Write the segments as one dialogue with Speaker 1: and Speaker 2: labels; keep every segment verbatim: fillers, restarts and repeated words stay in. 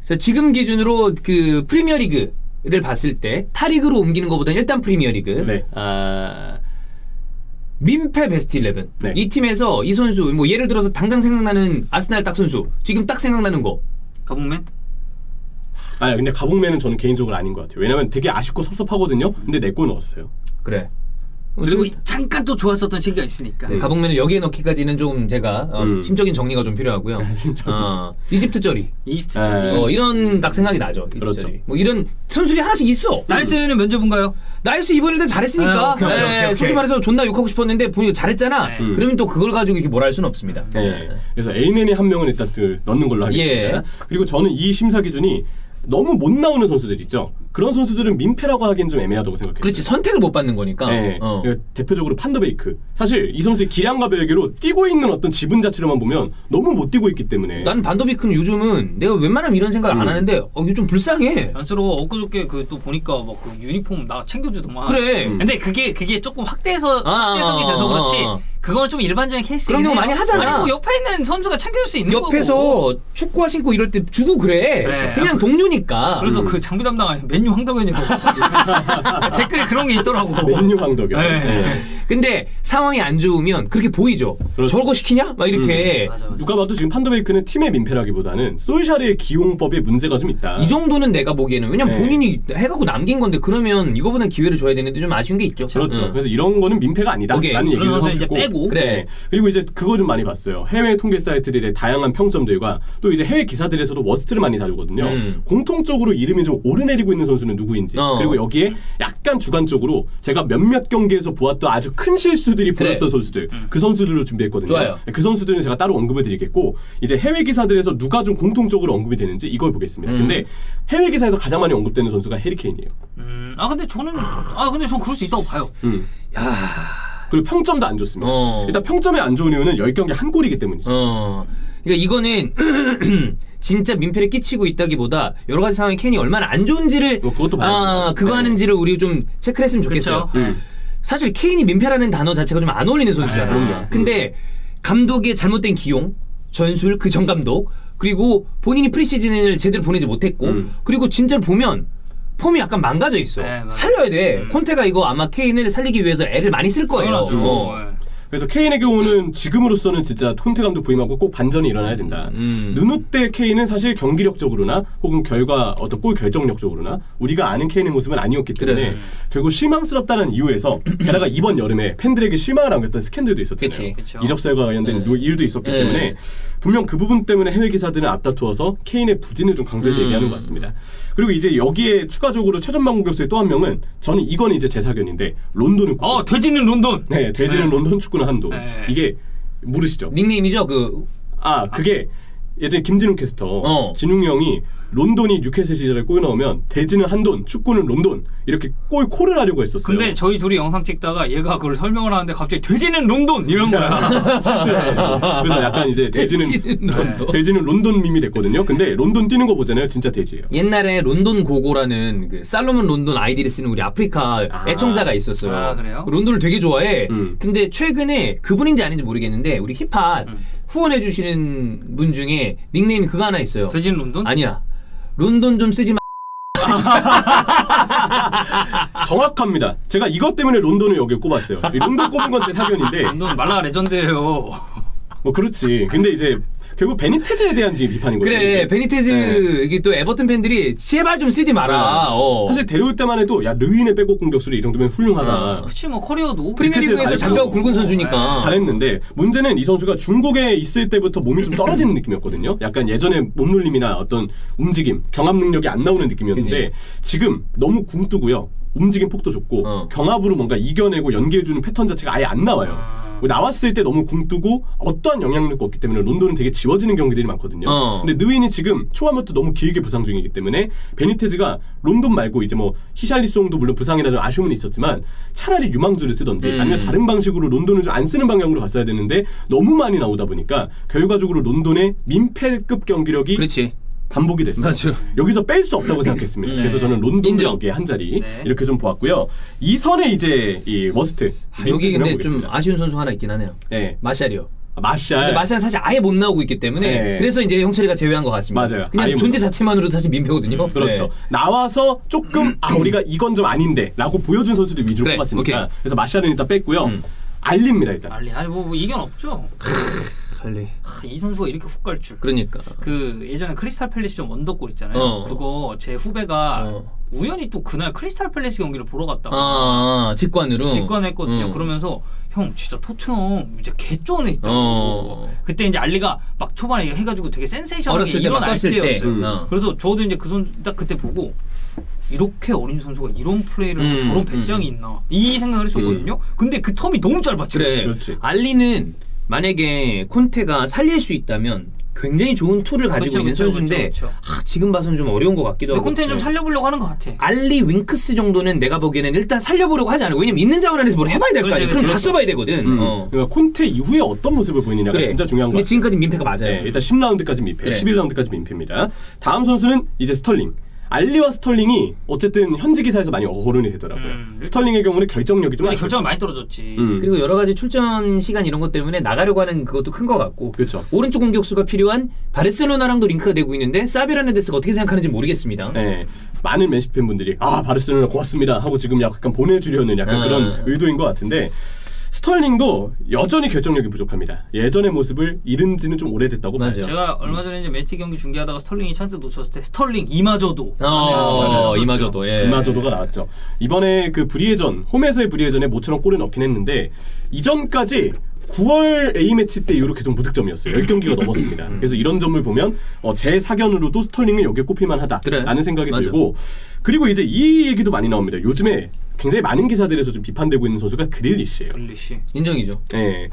Speaker 1: 그래서 지금 기준으로 그 프리미어리그를 봤을 때 타리그로 옮기는 것보다는 일단 프리미어리그
Speaker 2: 네.
Speaker 1: 아, 민폐 베스트 십일
Speaker 2: 네.
Speaker 1: 이 팀에서 이 선수 뭐 예를 들어서 당장 생각나는 아스날 딱 선수 지금 딱 생각나는 거
Speaker 3: 가봉맨?
Speaker 2: 아니 근데 가봉맨은 저는 개인적으로 아닌 것 같아요. 왜냐면 되게 아쉽고 섭섭하거든요. 근데 내 골 넣었어요.
Speaker 1: 그래.
Speaker 3: 그리고
Speaker 1: 지금
Speaker 3: 잠깐 또 좋았었던 시기가 있으니까.
Speaker 1: 네, 가봉맨을 여기에 넣기까지는 좀 제가 어,
Speaker 2: 음.
Speaker 1: 심적인 정리가 좀 필요하고요.
Speaker 2: 심적인.
Speaker 1: 어, 이집트 쩌리
Speaker 3: 이집트
Speaker 2: 네.
Speaker 3: 쪽이.
Speaker 1: 어, 이런 딱 생각이 나죠. 이집트
Speaker 2: 그렇죠.
Speaker 1: 쩌리. 뭐 이런 선수들이 하나씩 있어.
Speaker 3: 나이스는 면접인가요?
Speaker 1: 나이스 이번 일단 잘했으니까
Speaker 3: 아, 오케이, 오케이,
Speaker 1: 네,
Speaker 3: 오케이, 오케이.
Speaker 1: 솔직히 말해서 존나 욕하고 싶었는데 보니까 잘했잖아.
Speaker 3: 네.
Speaker 2: 음.
Speaker 1: 그러면 또 그걸 가지고 이렇게 뭐라 할 수는 없습니다.
Speaker 2: 네. 그래서 에이넨이 한 명은 일단 그 넣는 걸로 하겠습니다.
Speaker 1: 예.
Speaker 2: 그리고 저는 이 심사 기준이 너무 못 나오는 선수들 있죠. 그런 선수들은 민폐라고 하기엔 좀 애매하다고 생각해요.
Speaker 1: 그렇지 선택을 못 받는 거니까.
Speaker 2: 네.
Speaker 1: 어.
Speaker 2: 대표적으로 판더베이크. 사실 이 선수의 기량과 별개로 뛰고 있는 어떤 지분 자체로만 보면 너무 못 뛰고 있기 때문에.
Speaker 1: 난 반더비크는 요즘은 내가 웬만하면 이런 생각 안
Speaker 2: 음.
Speaker 1: 하는데 어, 이거 좀 불쌍해.
Speaker 3: 안쓰러워. 엊그저께 그 또 보니까 막 그 유니폼 나 챙겨주더만.
Speaker 1: 그래.
Speaker 2: 음.
Speaker 3: 근데 그게 그게 조금 확대해서
Speaker 1: 아,
Speaker 3: 확대성이
Speaker 1: 아,
Speaker 3: 돼서
Speaker 1: 아,
Speaker 3: 그렇지.
Speaker 1: 아.
Speaker 3: 그건 좀 일반적인 케이스.
Speaker 1: 그런 경우 많이 하잖아.
Speaker 3: 아니, 뭐 옆에 있는 선수가 챙겨줄 수 있는
Speaker 1: 옆에서
Speaker 3: 거고.
Speaker 1: 축구화 신고 이럴 때 주고 그래.
Speaker 3: 그렇죠.
Speaker 1: 그냥 동료니까.
Speaker 3: 그래서
Speaker 2: 음.
Speaker 3: 그 장비 담당 아니 맨유 황덕현이고 댓글에 그런 게 있더라고.
Speaker 2: 맨유 황덕현.
Speaker 3: 네.
Speaker 2: 네.
Speaker 1: 근데 상황이 안 좋으면 그렇게 보이죠.
Speaker 2: 그렇죠.
Speaker 1: 저거 시키냐? 막 이렇게.
Speaker 3: 맞아 맞아.
Speaker 2: 누가 봐도 지금 판더베이크는 팀의 민폐라기보다는 솔샤르의 기용법에 문제가 좀 있다.
Speaker 1: 이 정도는 내가 보기에는 왜냐면
Speaker 2: 네.
Speaker 1: 본인이 해갖고 남긴 건데 그러면 이거보단 기회를 줘야 되는데 좀 아쉬운 게 있죠.
Speaker 2: 그렇죠.
Speaker 1: 응.
Speaker 2: 그래서 이런 거는 민폐가 아니다.
Speaker 1: 오케이.
Speaker 2: 라는
Speaker 3: 그런
Speaker 2: 얘기를
Speaker 3: 선수
Speaker 2: 하고
Speaker 3: 이제
Speaker 2: 싶고.
Speaker 3: 빼고.
Speaker 1: 그래.
Speaker 2: 네. 그리고 이제 그거 좀 많이 봤어요. 해외 통계 사이트들의 다양한 평점들과 또 이제 해외 기사들에서도 워스트를 많이 다루거든요.
Speaker 1: 음.
Speaker 2: 공통적으로 이름이 좀 오르내리고 있는 선수는 누구인지
Speaker 1: 어.
Speaker 2: 그리고 여기에 약간 주관적으로 제가 몇몇 경기에서 보았던 아주 큰 실수들이
Speaker 1: 그래.
Speaker 2: 보였던 선수들 그 선수들로 준비했거든요.
Speaker 1: 좋아요.
Speaker 2: 그 선수들은 제가 따로 언급을 드리겠고 이제 해외 기사들에서 누가 좀 공통적으로 언급이 되는지 이걸 보겠습니다.
Speaker 1: 음.
Speaker 2: 근데 해외 기사에서 가장 많이 언급되는 선수가 해리케인이에요.
Speaker 3: 음, 아 근데 저는 아 근데 전 그럴 수 있다고 봐요.
Speaker 2: 음.
Speaker 1: 야.
Speaker 2: 그리고 평점도 안 좋습니다.
Speaker 1: 어.
Speaker 2: 일단 평점이 안 좋은 이유는 십 경기 한 골이기 때문이죠.
Speaker 1: 어. 그러니까 이거는 진짜 민폐를 끼치고 있다기보다 여러 가지 상황에 케인이 얼마나 안 좋은지를
Speaker 2: 뭐 그것도 봐야죠.
Speaker 1: 아, 그거
Speaker 2: 네.
Speaker 1: 하는지를 우리 좀 체크를 했으면 좋겠어요.
Speaker 3: 그쵸?
Speaker 2: 음.
Speaker 1: 사실 케인이 민폐라는 단어 자체가 좀 안 어울리는 선수잖아.
Speaker 2: 아, 그럼요.
Speaker 1: 근데 감독의 잘못된 기용, 전술, 그 전 감독, 그리고 본인이 프리시즌을 제대로 보내지 못했고,
Speaker 2: 음.
Speaker 1: 그리고 진짜로 보면 폼이 약간 망가져 있어.
Speaker 3: 네, 맞아요.
Speaker 1: 살려야 돼.
Speaker 3: 음.
Speaker 1: 콘테가 이거 아마 케인을 살리기 위해서 애를 많이 쓸 거예요.
Speaker 3: 당연하죠.
Speaker 1: 어.
Speaker 3: 네.
Speaker 2: 그래서 케인의 경우는 지금으로서는 진짜 콘테 감독 부임하고 꼭 반전이 일어나야 된다.
Speaker 1: 음.
Speaker 2: 누누 때 케인은 사실 경기력적으로나 혹은 결과 어떤 골 결정력적으로나 우리가 아는 케인의 모습은 아니었기 때문에
Speaker 1: 그래.
Speaker 2: 결국 실망스럽다는 이유에서 게다가 이번 여름에 팬들에게 실망을 안겼던 스캔들도 있었잖아요.
Speaker 1: 그치.
Speaker 3: 그쵸.
Speaker 2: 이적설과 관련된
Speaker 1: 네.
Speaker 2: 일도 있었기
Speaker 1: 네.
Speaker 2: 때문에 분명 그 부분 때문에 해외 기사들은 앞다투어서 케인의 부진을 좀 강조해서
Speaker 1: 음.
Speaker 2: 얘기하는 것 같습니다. 그리고 이제 여기에 추가적으로 최전방 공격수의 또 한 명은 저는 이건 이제 제 사견인데 론돈을 꼽
Speaker 3: 어 돼지는 론돈.
Speaker 2: 네, 돼지는
Speaker 3: 네.
Speaker 2: 론돈, 축구는 한도.
Speaker 3: 네.
Speaker 2: 이게 모르시죠?
Speaker 1: 닉네임이죠. 그
Speaker 2: 아, 그게 예전에 김진웅 캐스터,
Speaker 1: 어.
Speaker 2: 진웅이 형이 론돈이 뉴캐슬 시절에 골 넣으면 돼지는 한돈, 축구는 론돈 이렇게 골 콜을 하려고 했었어요.
Speaker 3: 근데 저희 둘이 영상 찍다가 얘가 그걸 설명을 하는데 갑자기 돼지는 론돈 이런 거야.
Speaker 2: 실수해. 그래서 약간 이제 돼지는
Speaker 1: 돼지는 론돈.
Speaker 2: 돼지는 론돈 밈이 됐거든요. 근데 론돈 뛰는 거 보잖아요, 진짜 돼지예요.
Speaker 1: 옛날에 론돈 고고라는 그 살로몬 론돈 아이디를 쓰는 우리 아프리카
Speaker 2: 아.
Speaker 1: 애청자가 있었어요.
Speaker 3: 아, 그래요?
Speaker 1: 론돈을 되게 좋아해.
Speaker 2: 음.
Speaker 1: 근데 최근에 그분인지 아닌지 모르겠는데 우리 힙합
Speaker 3: 음.
Speaker 1: 후원해 주시는 분 중에 닉네임이 그거 하나 있어요.
Speaker 3: 돼지는 론돈?
Speaker 1: 아니야. 론돈 좀 쓰지 마.
Speaker 2: 정확합니다. 제가 이것 때문에 론돈을 여기 꼽았어요. 이 론돈 꼽은 건 제 사견인데
Speaker 3: 론돈 말라 레전드예요.
Speaker 2: 뭐 그렇지. 근데 이제 결국 베니테즈에 대한 지금 비판이거든요.
Speaker 1: 그래 베니테즈
Speaker 2: 네.
Speaker 1: 이게 또 에버튼 팬들이 제발 좀 쓰지 마라. 어.
Speaker 2: 사실 데려올 때만 해도 야 르윈의 백업 공격수를 이 정도면 훌륭하다.
Speaker 3: 그치 뭐 커리어도
Speaker 1: 프리미어리그에서
Speaker 2: 잘했죠.
Speaker 1: 잔뼈가 굵은 선수니까.
Speaker 2: 잘했는데 문제는 이 선수가 중국에 있을 때부터 몸이 좀 떨어지는 느낌이었거든요. 약간 예전에 몸놀림이나 어떤 움직임, 경합 능력이 안 나오는 느낌이었는데 지금 너무 굼뜨고요. 움직임 폭도 좋고
Speaker 1: 어.
Speaker 2: 경합으로 뭔가 이겨내고 연계해주는 패턴 자체가 아예 안 나와요.
Speaker 3: 아.
Speaker 2: 나왔을 때 너무 굼뜨고 어떠한 영향력도 없기 때문에 론돈은 되게 지워지는 경기들이 많거든요.
Speaker 1: 어.
Speaker 2: 근데 느윈이 지금 초반부터 너무 길게 부상 중이기 때문에 베니테즈가 론돈 말고 이제 뭐 히샬리송도 물론 부상이라 좀 아쉬움은 있었지만 차라리 유망주를 쓰던지
Speaker 1: 음.
Speaker 2: 아니면 다른 방식으로 론돈을 좀 안 쓰는 방향으로 갔어야 되는데 너무 많이 나오다 보니까 결과적으로 론돈의 민폐급 경기력이
Speaker 1: 그렇지.
Speaker 2: 반복이 됐어요.
Speaker 1: 맞아요.
Speaker 2: 여기서 뺄 수 없다고 생각했습니다.
Speaker 3: 네.
Speaker 2: 그래서 저는 론돈
Speaker 1: 인정.
Speaker 2: 여기에 한 자리
Speaker 3: 네.
Speaker 2: 이렇게 좀 보았고요. 이 선에 이제 이 워스트
Speaker 1: 아, 여기 근데 좀
Speaker 2: 보겠습니다.
Speaker 1: 아쉬운 선수 하나 있긴 하네요.
Speaker 2: 네.
Speaker 1: 마샬이요.
Speaker 2: 마샬.
Speaker 1: 근데 마샬은 사실 아예 못 나오고 있기 때문에
Speaker 2: 네.
Speaker 1: 그래서 이제 형철이가 제외한 것 같습니다.
Speaker 2: 맞아요.
Speaker 1: 그냥
Speaker 2: 아예
Speaker 1: 존재
Speaker 2: 못
Speaker 1: 자체만으로도 사실 민폐거든요.
Speaker 2: 그렇죠.
Speaker 1: 네.
Speaker 2: 나와서 조금 아 우리가 이건 좀 아닌데라고 보여준 선수들 위주로
Speaker 1: 그래,
Speaker 2: 뽑았으니까
Speaker 1: 오케이.
Speaker 2: 그래서 마샬은 일단 뺐고요.
Speaker 1: 음.
Speaker 2: 알리입니다 일단.
Speaker 3: 알리 아니 뭐, 뭐 이견 없죠.
Speaker 1: 빨리.
Speaker 3: 하, 이 선수가 이렇게 훅 갈 줄.
Speaker 1: 그러니까.
Speaker 3: 그 예전에 크리스탈 팰리스전 원더골 있잖아요.
Speaker 1: 어.
Speaker 3: 그거 제 후배가
Speaker 1: 어.
Speaker 3: 우연히 또 그날 크리스탈 팰리스 경기를 보러 갔다가
Speaker 1: 아, 직관으로.
Speaker 3: 직관했거든요.
Speaker 1: 음.
Speaker 3: 그러면서 형 진짜 토트넘 이제 개쩌네 있다고.
Speaker 1: 어.
Speaker 3: 그때 이제 알리가 막 초반에 해가지고 되게 센세이션하게
Speaker 1: 어렸을 때 막
Speaker 3: 일어날
Speaker 1: 떴을 때.
Speaker 3: 때였어요.
Speaker 1: 음. 어.
Speaker 3: 그래서 저도 이제 그 선수 딱 그때 보고 이렇게 어린 선수가 이런 플레이를 하고
Speaker 1: 음,
Speaker 3: 저런 배짱이
Speaker 1: 음.
Speaker 3: 있나 이 생각을 했었거든요. 근데 그 텀이 너무 짧았죠.
Speaker 1: 그래.
Speaker 2: 그렇지.
Speaker 1: 알리는 만약에 콘테가 살릴 수 있다면 굉장히 좋은 툴을 가지고
Speaker 3: 그렇죠,
Speaker 1: 있는
Speaker 3: 그렇죠,
Speaker 1: 선수인데
Speaker 3: 그렇죠, 그렇죠.
Speaker 1: 아, 지금 봐서는 좀 어려운 것 같기도
Speaker 3: 근데
Speaker 1: 하고.
Speaker 3: 콘테는 좀 살려보려고 하는 것 같아.
Speaker 1: 알리 윙크스 정도는 내가 보기에는 일단 살려보려고 하지 않아요. 왜냐면 있는 자원 안에서 뭘 해봐야 될 거
Speaker 3: 그렇지,
Speaker 1: 아니야. 그럼 다
Speaker 3: 그렇죠.
Speaker 1: 써봐야 되거든.
Speaker 2: 음.
Speaker 1: 어.
Speaker 2: 그러니까 콘테 이후에 어떤 모습을 보이느냐가
Speaker 1: 그래.
Speaker 2: 진짜 중요한 거
Speaker 1: 근데
Speaker 2: 같아요.
Speaker 1: 지금까지 민폐가 맞아요.
Speaker 2: 네, 일단 십 라운드까지 민폐,
Speaker 1: 그래.
Speaker 2: 십일 라운드까지 민폐입니다. 다음 선수는 이제 스털링. 알리와 스털링이 어쨌든 현지 기사에서 많이 어른이 되더라고요.
Speaker 3: 음.
Speaker 2: 스털링의 경우는 결정력이 좀
Speaker 3: 근데
Speaker 2: 아쉬웠죠.
Speaker 3: 결정이 많이 떨어졌지.
Speaker 2: 음.
Speaker 1: 그리고 여러 가지 출전 시간 이런 것 때문에 나가려고 하는 그것도 큰 것 같고.
Speaker 2: 그렇죠.
Speaker 1: 오른쪽 공격수가 필요한 바르셀로나랑도 링크가 되고 있는데 사비 헤르난데스가 어떻게 생각하는지 모르겠습니다.
Speaker 2: 네, 많은 맨시티 팬분들이 아 바르셀로나 고맙습니다 하고 지금 약간 보내주려는 약간
Speaker 1: 음.
Speaker 2: 그런 의도인 것 같은데 스털링도 여전히 결정력이 부족합니다. 예전의 모습을 잃은 지는 좀 오래됐다고
Speaker 1: 맞아요.
Speaker 2: 봐야죠.
Speaker 3: 제가 얼마 전에 이제 매치 경기 중계하다가 스털링이 찬스 놓쳤을 때 스털링 이마저도.
Speaker 1: 어, 이마저도. 예.
Speaker 2: 이마저도가 나왔죠. 이번에 그 브리에전 홈에서의 브리에전에 모처럼 골을 넣긴 했는데 이전까지 구월 A매치 때 이후로 계속 무득점이었어요. 십 경기가 넘었습니다. 그래서 이런 점을 보면 어, 제 사견으로도 스털링은 여기에 꼽힐만 하다라는
Speaker 1: 그래.
Speaker 2: 생각이
Speaker 1: 맞아.
Speaker 2: 들고 그리고 이제 이 얘기도 많이 나옵니다. 요즘에 굉장히 많은 기사들에서 좀 비판되고 있는 선수가 그릴리시예요.
Speaker 3: 글리시.
Speaker 1: 인정이죠.
Speaker 2: 네.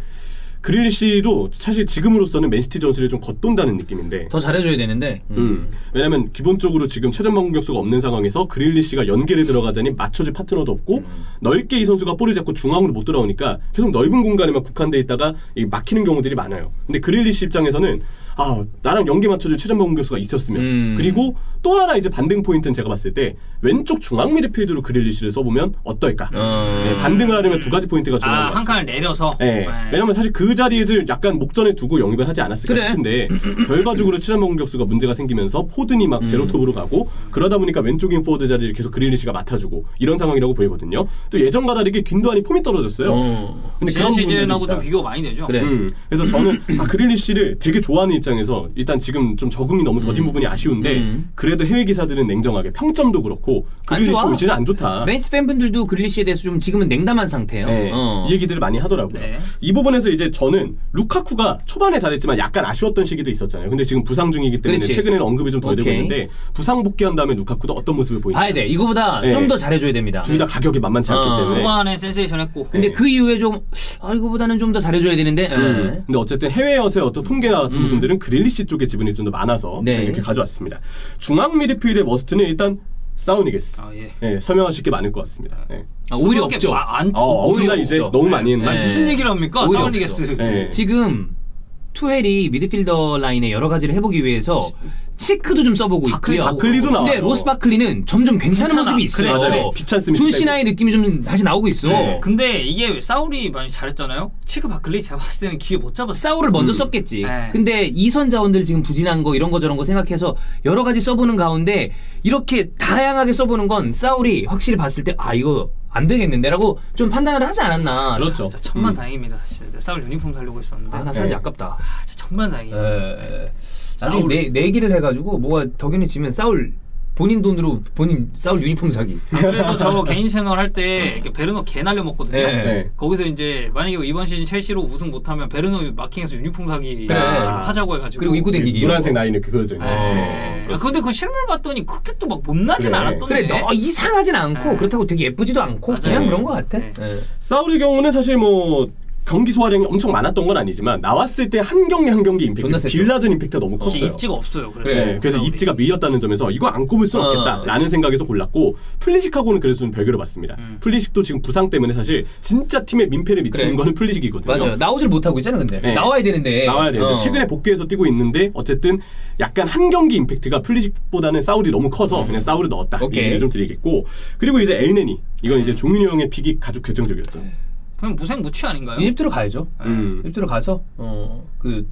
Speaker 2: 그릴리시도 사실 지금으로서는 맨시티 전술에 좀 겉돈다는 느낌인데
Speaker 1: 더 잘해줘야 되는데.
Speaker 2: 음. 왜냐면 기본적으로 지금 최전방 공격수가 없는 상황에서 그릴리시가 연계를 들어가자니 맞춰줄 파트너도 없고
Speaker 1: 음.
Speaker 2: 넓게 이 선수가 볼을 잡고 중앙으로 못 들어오니까 계속 넓은 공간에만 국한돼 있다가 이 막히는 경우들이 많아요. 근데 그릴리시 입장에서는 아 나랑 연계 맞춰줄 최전방 공격수가 있었으면
Speaker 1: 음.
Speaker 2: 그리고 또 하나 이제 반등 포인트는 제가 봤을 때 왼쪽 중앙 미드필드로 그릴리시를 써보면 어떨까?
Speaker 1: 음.
Speaker 2: 네, 반등을 하려면 두 가지 포인트가 중요한 것
Speaker 3: 아,
Speaker 2: 같아요.
Speaker 3: 한 칸을 내려서.
Speaker 2: 네. 왜냐면 사실 그 자리를 약간 목전에 두고 영입을 하지 않았을까
Speaker 1: 그래.
Speaker 2: 싶은데 결과적으로 최전방 공격수가 문제가 생기면서 포든이 막 제로톱으로 가고 그러다 보니까 왼쪽인 포워드 자리를 계속 그릴리시가 맡아주고 이런 상황이라고 보이거든요. 또 예전과 다르게 균도안이 폼이 떨어졌어요.
Speaker 1: 어.
Speaker 2: 근데
Speaker 3: 지난
Speaker 2: 그런
Speaker 3: 시즌하고
Speaker 2: 부분들이
Speaker 3: 좀
Speaker 2: 있다.
Speaker 3: 비교가 많이 되죠.
Speaker 1: 그래.
Speaker 2: 음, 그래서 저는 아, 그릴리시를 되게 좋아하는 입장에서 일단 지금 좀 적응이 너무 더딘 부분이 아쉬운데
Speaker 1: 음.
Speaker 2: 그래도 해외 기사들은 냉정하게 평점도 그렇고
Speaker 1: 안
Speaker 2: 그릴리시
Speaker 1: 좋아.
Speaker 2: 올 시즌 안 좋다.
Speaker 1: 맨시티 팬분들도 그릴리시에 대해서 좀 지금은 냉담한 상태예요.
Speaker 2: 네,
Speaker 1: 어.
Speaker 2: 이 얘기들을 많이 하더라고요.
Speaker 3: 네.
Speaker 2: 이 부분에서 이제 저는 루카쿠가 초반에 잘했지만 약간 아쉬웠던 시기도 있었잖아요. 근데 지금 부상 중이기 때문에
Speaker 1: 그렇지.
Speaker 2: 최근에는 언급이 좀 덜 되고
Speaker 1: 오케이.
Speaker 2: 있는데 부상 복귀한 다음에 루카쿠도 어떤 모습을 보이냐.
Speaker 1: 봐야 돼. 이거보다
Speaker 2: 네.
Speaker 1: 좀 더 잘해줘야 됩니다.
Speaker 2: 둘 다 가격이 만만치 않기
Speaker 1: 어.
Speaker 2: 때문에.
Speaker 3: 후반에 센세이션 했고.
Speaker 1: 근데
Speaker 2: 네.
Speaker 1: 그 이후에 좀 아, 이거보다는 좀 더 잘해줘야 되는데. 예.
Speaker 2: 음. 근데 어쨌든 해외여서의 어떤 통계나 같은
Speaker 1: 음.
Speaker 2: 부분들은 그릴리시 쪽에 지분이 좀 더 많아서
Speaker 1: 네.
Speaker 2: 일단 이렇게 가져왔습니다. 중앙 미드필드의 워스트는 일단 사우니게스.
Speaker 3: 아 예.
Speaker 2: 네, 설명하실 게 많을 것 같습니다. 네.
Speaker 1: 아, 오히려
Speaker 3: 그렇게
Speaker 1: 없죠.
Speaker 3: 마- 안,
Speaker 2: 어, 엄청나
Speaker 1: 오히려
Speaker 2: 이제
Speaker 1: 없어.
Speaker 2: 너무 많이 했나?
Speaker 3: 아니,
Speaker 1: 네.
Speaker 3: 무슨 얘기를 합니까?
Speaker 1: 오히려
Speaker 3: 사울리게스.
Speaker 1: 없어.
Speaker 2: 네.
Speaker 1: 지금 투헬이 미드필더 라인에 여러 가지를 해보기 위해서 치크도 좀 써보고
Speaker 3: 바클리,
Speaker 1: 있고요.
Speaker 2: 바클리도 나와요.
Speaker 1: 근데 로스 바클리는 점점 괜찮은
Speaker 3: 괜찮아.
Speaker 1: 모습이 있어요.
Speaker 3: 그래,
Speaker 2: 맞아요. 비찬 스미스
Speaker 1: 존
Speaker 2: 빼고.
Speaker 1: 시나의 느낌이 좀 다시 나오고 있어.
Speaker 2: 네.
Speaker 3: 근데 이게 사울이 많이 잘했잖아요. 치크 바클리 제가 봤을 때는 기회 못 잡았어.
Speaker 1: 사울을 먼저
Speaker 2: 음.
Speaker 1: 썼겠지.
Speaker 3: 네.
Speaker 1: 근데 이선 자원들 지금 부진한 거 이런 거 저런 거 생각해서 여러 가지 써보는 가운데 이렇게 다양하게 써보는 건 사울이 확실히 봤을 때 아 이거 안 되겠는데라고 좀 판단을 하지 않았나.
Speaker 2: 그렇죠.
Speaker 3: 진짜 천만
Speaker 2: 음.
Speaker 3: 다행입니다. 진짜 내 사울 유니폼 살려고 했었는데.
Speaker 1: 아 나 사실
Speaker 2: 네.
Speaker 1: 아깝다.
Speaker 3: 아, 진짜 천만 다행이에요.
Speaker 1: 에... 나중에
Speaker 3: 사울.
Speaker 1: 내, 내기를 해가지고 뭐가 덕현이 지면 사울 본인 돈으로 본인 사울 유니폼 사기.
Speaker 3: 그래도 저 개인 채널 할 때 이렇게 베르노 개 날려 먹거든요.
Speaker 1: 네.
Speaker 2: 네.
Speaker 3: 거기서 이제 만약에 이번 시즌 첼시로 우승 못하면 베르노 마킹해서 유니폼 사기
Speaker 1: 그래.
Speaker 3: 하자고 해가지고.
Speaker 1: 그리고 입고 댕기기.
Speaker 2: 노란색 라인 이렇게 그려져 있는.
Speaker 3: 네. 아, 근데 그 실물 봤더니 그렇게 또 막 못나진
Speaker 2: 그래.
Speaker 3: 않았던데.
Speaker 1: 그래 너 이상하진 않고
Speaker 3: 네.
Speaker 1: 그렇다고 되게 예쁘지도 않고
Speaker 3: 맞아요.
Speaker 1: 그냥 그런 거 같아.
Speaker 3: 네.
Speaker 1: 예.
Speaker 2: 사울의 경우는 사실 뭐 경기 소화량이 엄청 많았던 건 아니지만 나왔을 때 한 경기 한 경기 임팩트,
Speaker 1: 존나 셌죠.
Speaker 2: 빌라전 임팩트가 너무
Speaker 3: 이게
Speaker 2: 컸어요.
Speaker 3: 입지가 없어요. 그래서,
Speaker 1: 그래.
Speaker 2: 네, 그래서
Speaker 3: 사울이.
Speaker 2: 입지가 밀렸다는 점에서 이거 안 꼽을 수는
Speaker 1: 어.
Speaker 2: 없겠다라는 생각에서 골랐고 플리식하고는 그래서 좀 별개로 봤습니다.
Speaker 3: 음.
Speaker 2: 플리식도 지금 부상 때문에 사실 진짜 팀에 민폐를 미치는
Speaker 1: 그래.
Speaker 2: 거는 플리식이거든요.
Speaker 1: 맞아요. 나오질 못하고 있잖아 근데
Speaker 2: 네.
Speaker 1: 나와야 되는데
Speaker 2: 나와야 되는데
Speaker 1: 어.
Speaker 2: 최근에 복귀해서 뛰고 있는데 어쨌든 약간 한 경기 임팩트가 플리식보다는 사울이 너무 커서
Speaker 1: 음.
Speaker 2: 그냥 사울을 넣었다. 이
Speaker 1: 오케이.
Speaker 2: 얘기 좀 드리겠고 그리고 이제 엘네니 이건 이제 종윤이 형의 픽이 아주 결정적이었죠.
Speaker 3: 그냥 무생무치 아닌가요?
Speaker 1: 이집트로 가야죠.
Speaker 2: 음.
Speaker 1: 이집트로 가서 어 그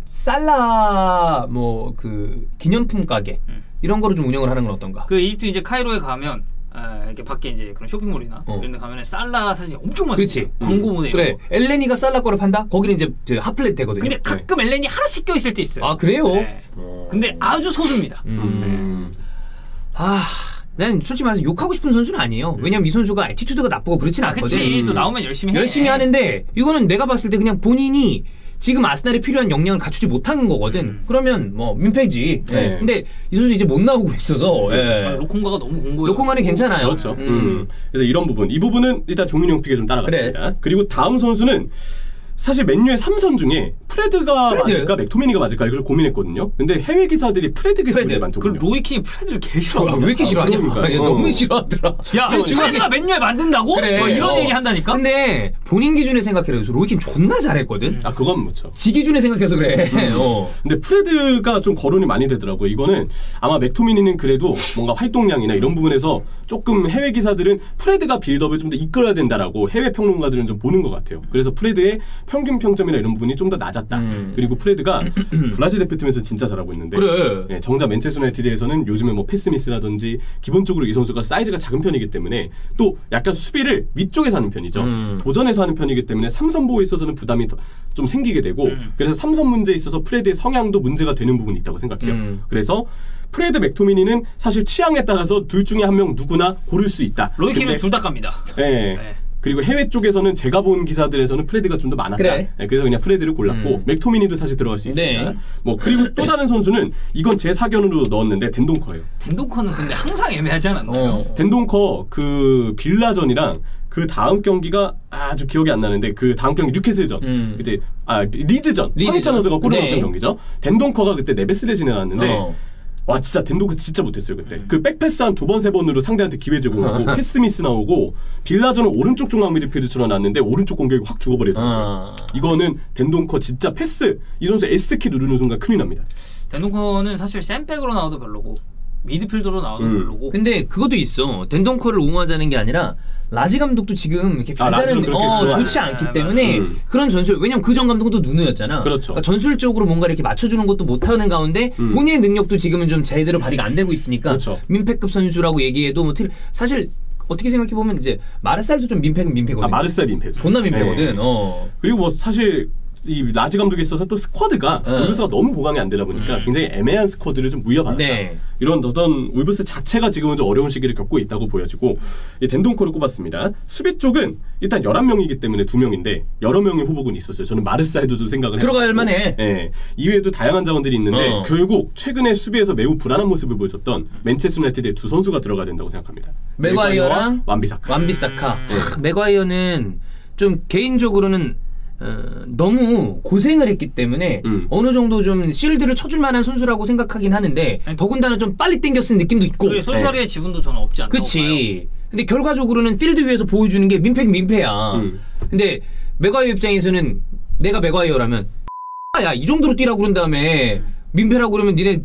Speaker 1: 살라 뭐 그 기념품 가게
Speaker 3: 음.
Speaker 1: 이런 거를 좀 운영을 하는 건 어떤가?
Speaker 3: 그 이집트 이제 카이로에 가면 아, 이렇게 밖에 이제 그런 쇼핑몰이나
Speaker 1: 어.
Speaker 3: 이런 데 가면 살라 사진이 엄청 많습니다.
Speaker 1: 그렇지.
Speaker 3: 광고 모델.
Speaker 1: 그래 엘레니가 살라 거를 판다? 거기는 이제 저 핫플렛 되거든요.
Speaker 3: 근데 가끔 엘렌이 하나씩 껴 있을 때 있어요.
Speaker 1: 아 그래요?
Speaker 3: 네. 근데 아주 소수입니다.
Speaker 1: 음.
Speaker 2: 음.
Speaker 1: 아, 난 솔직히 말해서 욕하고 싶은 선수는 아니에요. 왜냐면 이 선수가 애티튜드가 나쁘고 그렇진
Speaker 3: 아,
Speaker 1: 않거든.
Speaker 3: 그치.
Speaker 2: 음.
Speaker 3: 또 나오면 열심히 해.
Speaker 1: 열심히 하는데 이거는 내가 봤을 때 그냥 본인이 지금 아스날에 필요한 역량을 갖추지 못한 거거든.
Speaker 3: 음.
Speaker 1: 그러면 뭐 민폐지. 예.
Speaker 2: 네.
Speaker 1: 근데 이 선수 이제 못 나오고 있어서. 예.
Speaker 3: 아, 로콩가가 너무 공고해요.
Speaker 1: 로콩가는 괜찮아요.
Speaker 2: 그렇죠.
Speaker 1: 음.
Speaker 2: 음. 그래서 이런 부분, 이 부분은 일단 종민형 픽에 좀 따라갔습니다. 그리고 다음 선수는 사실 맨유의 삼선 중에 프레드가
Speaker 1: 프레드?
Speaker 2: 맞을까 맥토미니가 맞을까 이걸 고민했거든요. 근데 해외 기사들이 프레드가
Speaker 1: 프레드.
Speaker 2: 제일
Speaker 3: 그
Speaker 2: 많더군요.
Speaker 3: 로이킨이 프레드를 개
Speaker 1: 아,
Speaker 3: 싫어하거든.
Speaker 1: 왜 이렇게 싫어하냐?
Speaker 2: 그러니까요.
Speaker 1: 야,
Speaker 2: 어.
Speaker 1: 너무 싫어하더라.
Speaker 3: 야,
Speaker 1: 지금 중앙에-
Speaker 3: 프레드가 맨유에 만든다고?
Speaker 1: 그래.
Speaker 3: 뭐 이런
Speaker 1: 어.
Speaker 3: 얘기 한다니까?
Speaker 1: 근데 본인 기준에 생각해서 로이킨 존나 잘했거든.
Speaker 2: 아 그건 그렇죠.
Speaker 1: 지 기준에 생각해서 그래. 어.
Speaker 2: 근데 프레드가 좀 거론이 많이 되더라고요. 이거는 아마 맥토미니는 그래도 뭔가 활동량이나 이런 부분에서 조금 해외 기사들은 프레드가 빌드업을 좀 더 이끌어야 된다라고 해외 평론가들은 좀 보는 것 같아요. 그래서 프레드의 평균 평점이나 이런 부분이 좀 더 낮았다.
Speaker 1: 음.
Speaker 2: 그리고 프레드가 브라질 대표팀에서 진짜 잘하고 있는데
Speaker 1: 그래.
Speaker 2: 네, 정작 맨체스터 유나이티드에서는 요즘에 뭐 패스미스라든지 기본적으로 이 선수가 사이즈가 작은 편이기 때문에 또 약간 수비를 위쪽에서 하는 편이죠.
Speaker 1: 음.
Speaker 2: 도전에서 하는 편이기 때문에 삼선 보호에 있어서는 부담이 더, 좀 생기게 되고
Speaker 3: 음.
Speaker 2: 그래서 삼선 문제에 있어서 프레드의 성향도 문제가 되는 부분이 있다고 생각해요.
Speaker 1: 음.
Speaker 2: 그래서 프레드 맥토미니는 사실 취향에 따라서 둘 중에 한 명 누구나 고를 수 있다.
Speaker 3: 로이킨은
Speaker 2: 근데-
Speaker 3: 둘 다 갑니다.
Speaker 2: 네.
Speaker 3: 네.
Speaker 2: 그리고 해외 쪽에서는 제가 본 기사들에서는 프레드가 좀 더 많았다.
Speaker 1: 그래.
Speaker 2: 네, 그래서 그냥 프레드를 골랐고
Speaker 1: 음.
Speaker 2: 맥토미니도 사실 들어갈 수 있습니다.
Speaker 1: 네.
Speaker 2: 뭐 그리고 또 다른 선수는 이건 제 사견으로 넣었는데 덴동커예요.
Speaker 3: 덴동커는 근데 항상 애매하지 않았나요?
Speaker 1: 어.
Speaker 2: 덴동커 그 빌라전이랑 그 다음 경기가 아주 기억이 안 나는데 그 다음 경기 뉴캐슬전
Speaker 1: 음.
Speaker 2: 그때 아 리즈전
Speaker 1: 리즈전.
Speaker 2: 황희찬 선수가 골을
Speaker 1: 네.
Speaker 2: 넣었던 경기죠. 덴동커가 그때 네베스 대신에 나왔는데
Speaker 1: 어.
Speaker 2: 와 진짜 덴동커 진짜 못했어요 그때. 그 백패스 한 두 번 세 번으로 상대한테 기회 제공하고 패스미스 나오고 빌라전은 오른쪽 중앙 미드필드처럼 나왔는데 오른쪽 공격이 확 죽어버리더라고요.
Speaker 1: 어.
Speaker 2: 이거는 덴동커 진짜 패스 이 선수 S키 누르는 순간 큰일 납니다.
Speaker 3: 덴동커는 사실 센백으로 나와도 별로고 미드필더로 나와도
Speaker 2: 음.
Speaker 3: 별로고.
Speaker 1: 근데 그것도 있어. 덴동커를 옹호하자는 게 아니라 라지 감독도 지금 이렇게
Speaker 2: 아, 라지는
Speaker 1: 별다른
Speaker 2: 그렇게
Speaker 1: 어,
Speaker 2: 그거
Speaker 1: 좋지
Speaker 3: 아니야.
Speaker 1: 않기
Speaker 3: 아,
Speaker 1: 때문에
Speaker 2: 음.
Speaker 1: 그런 전술 왜냐면 그 전 감독도 누누였잖아.
Speaker 2: 그렇죠.
Speaker 1: 그러니까 전술적으로 뭔가 이렇게 맞춰주는 것도 못하는 가운데
Speaker 2: 음.
Speaker 1: 본인의 능력도 지금은 좀 제대로 발휘가 안 되고 있으니까
Speaker 2: 그렇죠.
Speaker 1: 민폐급 선수라고 얘기해도 뭐 틀- 사실 어떻게 생각해 보면 이제 마르살도 좀 민폐급 민폐거든.
Speaker 2: 아 마르셀 민폐죠.
Speaker 1: 존나 민폐거든.
Speaker 2: 네.
Speaker 1: 어.
Speaker 2: 그리고 뭐 사실 이 라지 감독에 있어서 또 스쿼드가
Speaker 1: 어.
Speaker 2: 울브스가 너무 보강이 안 되다 보니까
Speaker 3: 음.
Speaker 2: 굉장히 애매한 스쿼드를 좀 무여받았다.
Speaker 1: 네.
Speaker 2: 이런 어떤 울브스 자체가 지금은 좀 어려운 시기를 겪고 있다고 보여지고 이 덴동커를 꼽았습니다. 수비 쪽은 일단 열한 명이기 때문에 두 명인데 여러 명의 후보군이 있었어요. 저는 마르사이도 좀 생각을
Speaker 1: 들어갈
Speaker 2: 해봤고.
Speaker 1: 만해.
Speaker 2: 예. 이외에도 다양한 자원들이 있는데
Speaker 1: 어.
Speaker 2: 결국 최근에 수비에서 매우 불안한 모습을 보여줬던 맨체스터 유나이티드의 두 선수가 들어가야 된다고 생각합니다.
Speaker 1: 맥과이어랑
Speaker 2: 완비사카.
Speaker 1: 완비사카.
Speaker 3: 음.
Speaker 1: 하, 맥과이어는 좀 개인적으로는 어, 너무 고생을 했기 때문에
Speaker 2: 음.
Speaker 1: 어느 정도 좀 실드를 쳐줄 만한 선수라고 생각하긴 하는데
Speaker 3: 아니,
Speaker 1: 더군다나 좀 빨리 땡겨 쓴 느낌도 있고.
Speaker 3: 그래 솔샤리의 지분도 저는 없지 않다고 봐요.
Speaker 1: 그치. 근데 결과적으로는 필드 위에서 보여주는 게 민폐 민폐야.
Speaker 2: 음.
Speaker 1: 근데 맥과이어 입장에서는 내가 맥과이어라면 야 이 정도로 뛰라고 그런 다음에 민폐라고 그러면 니네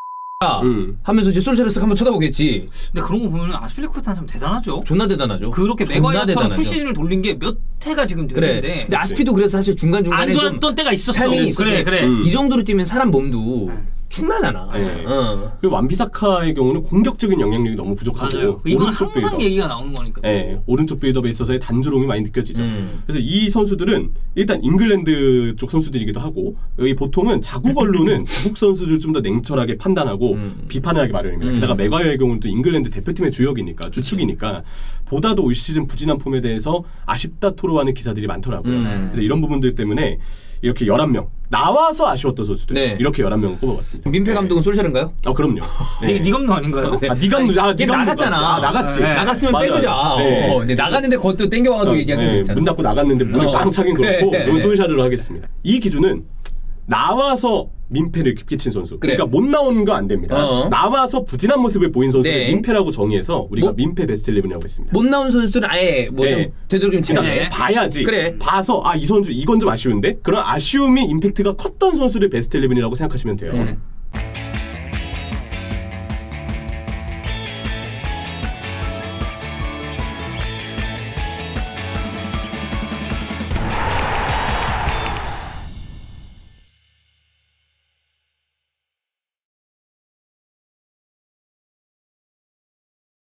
Speaker 1: 야
Speaker 2: 음.
Speaker 1: 하면서 이제 솔샤를 쓱 한번 쳐다보겠지.
Speaker 3: 근데 그런 거 보면 아스필리쿠에타는 참 대단하죠.
Speaker 1: 존나 대단하죠.
Speaker 3: 그렇게
Speaker 1: 존나
Speaker 3: 맥과이어처럼
Speaker 1: 대단하죠.
Speaker 3: 풀시즌을 돌린 게 몇 해가 지금
Speaker 1: 그래.
Speaker 3: 됐는데
Speaker 1: 근데 아스피도 그래서 사실 중간 중간에
Speaker 3: 안 좋았던 때가 있었어.
Speaker 1: 타이밍이 있었지.
Speaker 3: 그래 그래.
Speaker 2: 음.
Speaker 1: 이 정도로 뛰면 사람 몸도 축나잖아.
Speaker 2: 네.
Speaker 1: 어.
Speaker 2: 그리고 완비사카의 경우는 공격적인 영향력이 너무 부족하고
Speaker 3: 맞아요. 이건
Speaker 2: 오른쪽
Speaker 3: 항상
Speaker 2: 빌드업.
Speaker 3: 얘기가 나오는 거니까.
Speaker 2: 예, 오른쪽 빌드업에 있어서의 단조로움이 많이 느껴지죠.
Speaker 1: 음.
Speaker 2: 그래서 이 선수들은 일단 잉글랜드 쪽 선수들이기도 하고 여기 보통은 자국 언론은 자국 선수들 좀 더 냉철하게 판단하고
Speaker 1: 음.
Speaker 2: 비판을 하기 마련입니다.
Speaker 1: 음.
Speaker 2: 게다가 맥과이어의 경우는 또 잉글랜드 대표팀의 주역이니까 주축이니까 보다도 올 시즌 부진한 폼에 대해서 아쉽다 토로하는 기사들이 많더라고요.
Speaker 1: 음.
Speaker 2: 그래서 이런 부분들 때문에 이렇게 열한 명 나와서 아쉬웠던 선수들
Speaker 1: 네.
Speaker 2: 이렇게 열한 명을 뽑아봤습니다.
Speaker 1: 민폐 감독은
Speaker 2: 네.
Speaker 1: 솔샤른가요?
Speaker 2: 아 그럼요.
Speaker 3: 네. 네 감독 아닌가요?
Speaker 1: 네.
Speaker 2: 아, 네 감독, 아,
Speaker 1: 걔
Speaker 2: 네 감독
Speaker 1: 나갔잖아.
Speaker 2: 맞지. 아, 나갔지.
Speaker 3: 네.
Speaker 1: 나갔으면
Speaker 2: 맞아요.
Speaker 1: 빼주자.
Speaker 2: 네.
Speaker 1: 어, 근데 나갔는데 그것도 땡겨와가지고 얘기하기도
Speaker 2: 네,
Speaker 1: 있잖아.
Speaker 2: 문 닫고 나갔는데 문이
Speaker 1: 어.
Speaker 2: 빵 차긴
Speaker 1: 그래.
Speaker 2: 그렇고 그럼 솔샤르로 하겠습니다. 이 기준은 나와서 민폐를 끼친 선수.
Speaker 1: 그래.
Speaker 2: 그러니까 못 나온 거 안 됩니다.
Speaker 1: 어.
Speaker 2: 나와서 부진한 모습을 보인 선수를
Speaker 1: 네.
Speaker 2: 민폐라고 정의해서 우리가
Speaker 1: 뭐-
Speaker 2: 민폐 베스트 십일이라고 했습니다.
Speaker 1: 못 나온 선수들은 아예 뭐 좀
Speaker 2: 네.
Speaker 1: 제대로 좀
Speaker 2: 그러니까
Speaker 1: 제대로
Speaker 3: 네.
Speaker 2: 봐야지.
Speaker 1: 그래.
Speaker 2: 봐서 아 이 선수 이건 좀 아쉬운데 그런 아쉬움이 임팩트가 컸던 선수를 베스트 십일이라고 생각하시면 돼요.
Speaker 1: 네.